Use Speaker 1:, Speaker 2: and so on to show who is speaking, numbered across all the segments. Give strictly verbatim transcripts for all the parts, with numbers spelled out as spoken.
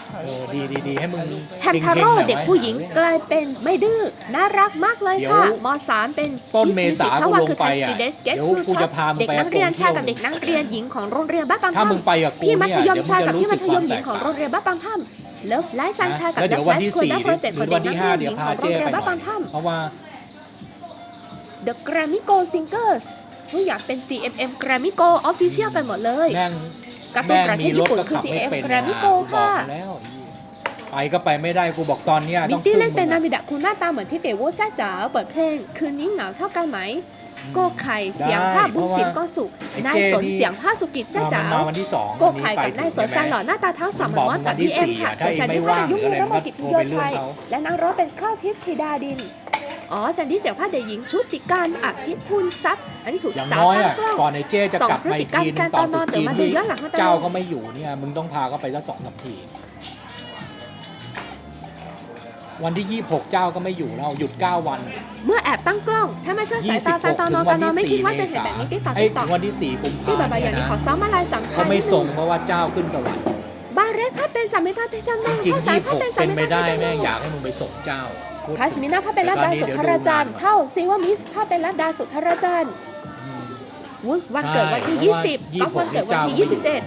Speaker 1: เออดีดีดีให้มึง
Speaker 2: แฮมทาโร่เด็กผู้หญิงกลายเป็นไม่ดื้อน่ารักมากเลยค่ะมสามเป็น
Speaker 1: ต้นเมษากูลงไปอ่ะ
Speaker 2: เด็
Speaker 1: เดี๋ยวกูจะพามึง
Speaker 2: เด็ก
Speaker 1: ไป
Speaker 2: นักเรียนชายกับเด็กนักเรียนหญิงของโรงเรียนบ้านบาง
Speaker 1: ถ้า
Speaker 2: ถ้ำ
Speaker 1: มึงไปกับกู
Speaker 2: พี่มั
Speaker 1: เนี่ย
Speaker 2: ธยม
Speaker 1: เดี๋ยวมึ
Speaker 2: ชาง ย
Speaker 1: จะ
Speaker 2: กับ
Speaker 1: รู้
Speaker 2: พี่
Speaker 1: สึ
Speaker 2: มั
Speaker 1: ก
Speaker 2: ธ
Speaker 1: ค
Speaker 2: ย
Speaker 1: วาม
Speaker 2: มห
Speaker 1: แต
Speaker 2: ญิง
Speaker 1: ก
Speaker 2: ของ
Speaker 1: ต่าง
Speaker 2: โรงเรียนบ้านบางถ้ำเลิฟไลฟ์ซันชายกับ
Speaker 1: แล้ว
Speaker 2: เลิ
Speaker 1: เดี๋ยว
Speaker 2: ฟ
Speaker 1: วั
Speaker 2: ไล
Speaker 1: นที่
Speaker 2: ฟ์สคูล
Speaker 1: สี่
Speaker 2: และโปรเจกต์
Speaker 1: ห
Speaker 2: ข
Speaker 1: รือ อง
Speaker 2: เด็
Speaker 1: วั
Speaker 2: ก
Speaker 1: น
Speaker 2: นั
Speaker 1: ที่
Speaker 2: ก
Speaker 1: ห้า
Speaker 2: เรียนห
Speaker 1: เดี๋ย
Speaker 2: ญิ
Speaker 1: ว
Speaker 2: ง
Speaker 1: พา
Speaker 2: ของโร
Speaker 1: เจ้
Speaker 2: งเรีย
Speaker 1: ไป
Speaker 2: น
Speaker 1: ห
Speaker 2: บ้าน
Speaker 1: น่
Speaker 2: บา
Speaker 1: อย
Speaker 2: งถ้ำ
Speaker 1: เพราะว่า
Speaker 2: The Grammy Go Singers ทุกอย่างเป็น จี เอ็ม เอ็ม Grammy Go Official กันหมดเลย
Speaker 1: แม่ง
Speaker 2: การ์ตูน
Speaker 1: แม่ง
Speaker 2: ประเท
Speaker 1: มี
Speaker 2: ศ
Speaker 1: ร
Speaker 2: ญี่
Speaker 1: ถ
Speaker 2: ปุ่น
Speaker 1: ก็
Speaker 2: คือ
Speaker 1: ขับไม่
Speaker 2: จี เอ็ม
Speaker 1: เป็น
Speaker 2: Grammy
Speaker 1: นะ
Speaker 2: Go
Speaker 1: กูบอก
Speaker 2: ค่ะ
Speaker 1: มาแล้วไปก็ไปไม่ได้กูบอกตอนเนี้ย
Speaker 2: มิ
Speaker 1: ต้
Speaker 2: ก
Speaker 1: อง
Speaker 2: ตี้
Speaker 1: พึ่ง
Speaker 2: เล่นเป็น
Speaker 1: มึ
Speaker 2: นาง มิดะคุณหน้าตาเหมือนที่เต๋วแซ่จ๋าเปิดเพลงคืนนี้เหงาเท่ากันไหมโกไข่เสียงภาพบุญสินก็สุขนายสนเสียงภาพสุกิจแซ่จ๋า
Speaker 1: มาวันที่สอง
Speaker 2: โกไข่กับนายสนแฟนหล่อหน้าตาทั้งสามเหมือนมอสกับพี่เอ็มค่ะส่วนแซนดี้ภาพเด็กหญิงระมกิจพิโยชัยและนางร้องเป็นข้าวทิพย์ธิดาดินอ๋อแซนดี้เสียงภาพเด็กหญิงชุติการอภิพูลทรัพย์อันนี้ถูก
Speaker 1: อย่าง
Speaker 2: สา
Speaker 1: น้อย
Speaker 2: ตั้ง
Speaker 1: อ่ะ
Speaker 2: กล้อง
Speaker 1: ก่อนไอ้เจ้จะกลับมาอีกทีนึงตอน
Speaker 2: สองพฤติกรรมการตอนนอน
Speaker 1: ตุ๊จีน
Speaker 2: เดี๋ยวมาดู
Speaker 1: ที่
Speaker 2: ย้อนหลังมาตลอด
Speaker 1: เจ้าก็ไม่อยู่เนี่ยมึงต้องพาเขาไปสักสองสามทีวันที่ยี่สิบหกเจ้าก็ไม่อยู่แล้วหยุดเก้าวัน
Speaker 2: เมื่อแอบตั้งกล้อง ถ้าไม่เชื่อสายตาแฟนตอนนอนตอนนอนไม่คิดว่าจะเห็นแบบนี้ติ๊กต็อก
Speaker 1: ไอ้
Speaker 2: ติ๊กต็อก
Speaker 1: วันที่สี่กุม
Speaker 2: ที่
Speaker 1: ภา
Speaker 2: แบบ
Speaker 1: พันธ์
Speaker 2: อย่างนี้
Speaker 1: นะ
Speaker 2: ขอซ้อมมาลายสามชา
Speaker 1: เขา
Speaker 2: ย
Speaker 1: ไม่
Speaker 2: นิดนึ
Speaker 1: ส่งเพราะว่าเจ้าขึ้นสวรรค์
Speaker 2: บาเรสถ้าเป็นสามเมตรที่จำได้
Speaker 1: จริง
Speaker 2: ข้า
Speaker 1: ๆ
Speaker 2: สาร
Speaker 1: ยี่สิบ
Speaker 2: ถ้า
Speaker 1: หก
Speaker 2: เป็นสาม
Speaker 1: เป็น
Speaker 2: เม
Speaker 1: ไม่
Speaker 2: ตร
Speaker 1: ได้แม่งอยากให้มึงไปส่งเจ้าพูด
Speaker 2: คาชมินาภาพเป็นรัตดาสุทธราจารย์เท่าซิว่ามิสภาพเป็นรัตดาสุทธราจารย์วุ้นวันเกิดวันที่ยี่สิบก็วันเกิดวันที่ยี่สิบเจ็ด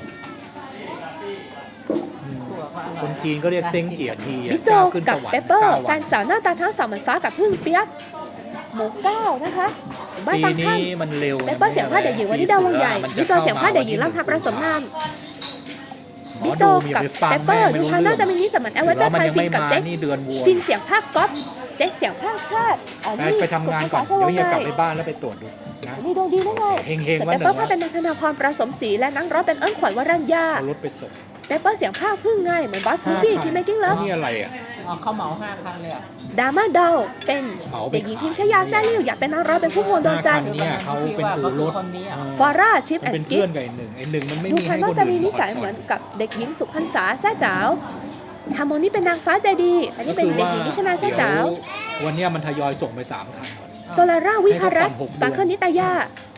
Speaker 1: คนจีนก็เรียกเซ้งเจียทีอะ
Speaker 2: บิ๊กโจ
Speaker 1: เจ้าขึ้น
Speaker 2: กั
Speaker 1: ส
Speaker 2: บ
Speaker 1: วรร
Speaker 2: เป
Speaker 1: ค์
Speaker 2: เปอร์
Speaker 1: เก้า
Speaker 2: แฟ
Speaker 1: วัน
Speaker 2: นสาวหน้าตาทั้งสองเหมือนฟ้ากับพึ่งเปียกหมูเก้านะคะบ้าน
Speaker 1: ปี
Speaker 2: บางท่าน
Speaker 1: นี้มันเร็ว
Speaker 2: เปเปอร์เสียงผ้าเด็กหญิงวันที่ดาววงใหญ่บิ๊กโจเสียงผ้าเด็กหญิงร่ำทับประสมนามบิ๊กโจกับเปเปอร์ดูทางน่าจะมีนิสมันแอลเวอร์เจอร์ไทยฟินกับเจ๊ก
Speaker 1: นี่เดือนวัว
Speaker 2: ฟินเสียงภาคก๊อตเจ๊กเสียงภาคชาติอ๋อ
Speaker 1: ไป
Speaker 2: นี่
Speaker 1: ไปทำงานก่อน
Speaker 2: สุ
Speaker 1: เดี๋ยว
Speaker 2: ภา
Speaker 1: เฮีย
Speaker 2: ษาก
Speaker 1: ลับ
Speaker 2: ไง
Speaker 1: ไปบ้านแล้วไปตรวจดูนะ
Speaker 2: นี่ดวงดีด้วยไง
Speaker 1: เฮง
Speaker 2: เป
Speaker 1: ๆวันห
Speaker 2: เป
Speaker 1: นึ่
Speaker 2: อร์
Speaker 1: ง
Speaker 2: ภาพเป็นนันทนาพรประสมศรีและนักร้องเป็นเอิ้นขวัญวรัญญา
Speaker 1: เอารถไปส่ง
Speaker 2: เปเปอร์เสียงภาคพึ่งไงเหมือนบอสมูฟี่คิมเมกิ้งเลิฟ
Speaker 1: นี่อะไรอ่ะ
Speaker 3: อ๋อเขาเหมาห้าคันเลยอ่ะ
Speaker 2: ดราม่าดอลเป็น
Speaker 1: เอาไป
Speaker 2: เด็กหญิงพิมชยาแซ่ลิ่วอยากเป็นนักร้องเป็นผู้มวลดวงจันทร์
Speaker 1: เนี่ยเขาเป็นอู่รถ
Speaker 3: คนนี้อ่ะ
Speaker 2: ฟอร่าชิป
Speaker 1: มัน
Speaker 2: แอน
Speaker 1: เป็น
Speaker 2: ด์สกิ
Speaker 1: เพื่
Speaker 2: ป
Speaker 1: อนกับไอ้หนึ่งไอ้หนึ่งมันไม่
Speaker 2: ดู
Speaker 1: มี
Speaker 2: ภา
Speaker 1: ให้
Speaker 2: ย
Speaker 1: คน
Speaker 2: นอก
Speaker 1: อื่น
Speaker 2: จะมีนิสัยเหมือนกับเด็กหญิงสุพรรษาแซ่จ๋าวฮาร์โมนีเป็นนางฟ้าใจดี อันนี้เป็นเด็กหญิงนิชนาแซ่จ๋าว
Speaker 1: วันเนี้ยมันทยอยส่งไปสามคัน
Speaker 2: โซลาร่าวิภารัตน์สปาร์เคิลนิตายาร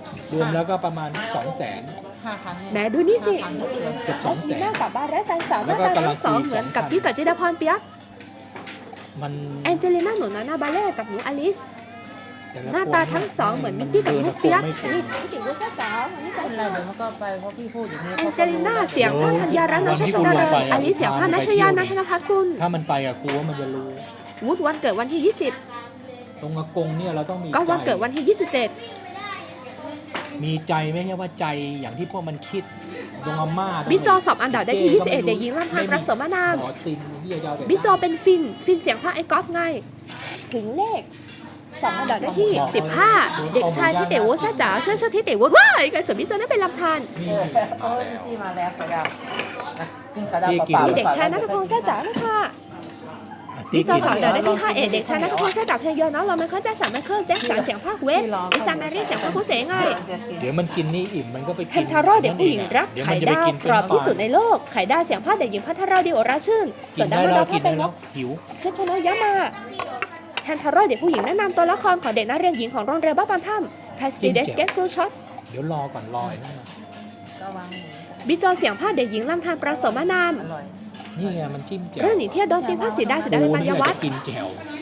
Speaker 1: วมแล้วก็ประมาณสองแสน
Speaker 3: ห้าคันเนี่ย
Speaker 2: แหมดูนี่สิ
Speaker 3: ห้าคันทุกเดือน
Speaker 1: เกือบส
Speaker 2: รั
Speaker 1: อง
Speaker 2: ช
Speaker 1: แส
Speaker 2: มี
Speaker 1: น
Speaker 2: น่ากับบาร์เรสแฟนสาวห
Speaker 1: แล้
Speaker 2: น้าว
Speaker 1: ก็
Speaker 2: ตาทั้งสอง
Speaker 1: กำลังคุย
Speaker 2: เหมือน
Speaker 1: สอง
Speaker 2: กับ
Speaker 1: พัน
Speaker 2: พี่กับจิดาพรเปียก
Speaker 1: มัน
Speaker 2: แองเจลิน่าหนูนานาบาเล่กับหนูอลิส
Speaker 1: แต่ละ
Speaker 2: หน้าตาทั้งสองเหมือนมิกกี้กับลูกเปียกนี่พี่ติ๋วแซ่จ๋าวอันนี้แฟ
Speaker 3: ไม่
Speaker 2: น
Speaker 3: เป็นไร
Speaker 2: สาว
Speaker 3: เดี๋ยวมันก็ไปเพราะพี่พูดอย่างนี้
Speaker 2: แองเจลิน่าเสียงภาพธัญญารัตน์นชชเจริญอลิสเสียงภาพนัชยานันทนภัทรกุล
Speaker 1: ถ้ามันไปอะกูว่ามันจะรู้
Speaker 2: วุฒิวันเกิดวันที่ยี่สิบ
Speaker 1: ตรงอากงเนี่ยเราต้องมี
Speaker 2: ก็วัน
Speaker 1: ใจ
Speaker 2: เกิดวันที่ยี่สิบเจ็ด
Speaker 1: มีใจไม่ใช่ว่าใจอย่างที่พวกมันคิดตรงอาม่า
Speaker 2: บิ๊กโจสอบอันดับได้ที่ยี่สิบเอ็ดเด็กหญิงลำพังประสมนาม
Speaker 1: หมอซินที่จะเอาแต่
Speaker 2: บิ๊กโจเป็นฟิน ฟินเสียงภาคไอ้ก๊อฟไง ถึงเลขสองอันดับได้ที่สิบห้าเด็กชายที่เต๋วแซ่จ๋าช่วยช่วยที่เต๋วว้ายกันเสริมบิ๊กโจนั่นเป็นลำพัน
Speaker 1: นี่
Speaker 3: เออเออพี่มาแล้วกระดาวนะกินกระดาวเปล่า
Speaker 2: มี
Speaker 3: ๆ
Speaker 2: เด็กชายนัทพงษ์แซ่จ๋านะคะ
Speaker 1: ที่
Speaker 2: บิ๊กโจ
Speaker 1: กิน
Speaker 2: สอบอันดับได้ที่ห้าเอ็ดเด็กชายนัทพงษ์แซ่จ๋าเพลงเยอะเนาะเราไม่เข้าใจสันไม่เข้าแจ็คสันเสียงภาคเวฟอิซาแมรี่เสียงภาคผู้เสงไง
Speaker 1: เดี๋ยวมันกินนี่อิ่มมันก็ไป
Speaker 2: เพ
Speaker 1: กิน
Speaker 2: นทาโร่เด็กผู้หญิงรัก
Speaker 1: เดี๋ยว
Speaker 2: ไข่
Speaker 1: มันจะไป
Speaker 2: ดาว
Speaker 1: กิน
Speaker 2: กรอบที่สุดในโลกไข่ดาวเสียงภาคเด็กหญิงพัทราดิโอราชื่น
Speaker 1: กิ
Speaker 2: ส่วน
Speaker 1: น
Speaker 2: ดา
Speaker 1: ได้
Speaker 2: ว
Speaker 1: แล้
Speaker 2: ดาว ว
Speaker 1: กิ
Speaker 2: พ่อน เป็
Speaker 1: ได้
Speaker 2: นน
Speaker 1: แล้ว
Speaker 2: ก
Speaker 1: หิว
Speaker 2: เชนชนยามาแฮนทาโร่เด็กผู้หญิงแนะนำตัวละครของเด็กนักเรียนหญิงของโรงเรียนบ้านปันถ้ำไทสตีเดสเกตฟูลช็อต
Speaker 1: เดี๋ยวรอก่อนรอไอ้นั่นมา
Speaker 3: ก็วาง
Speaker 2: บิจอเสียงภาคเด็กหญิงลำธารประสมนาม
Speaker 3: อร่อย
Speaker 1: นี่ไงมันจิ้มแจ่ว
Speaker 2: เรื่องหนีเที่ยวโดนตีนภาคสีดาสีดาเป็นปัญญาวัฒน์
Speaker 1: กูนี่อยากจะกินแจ่ว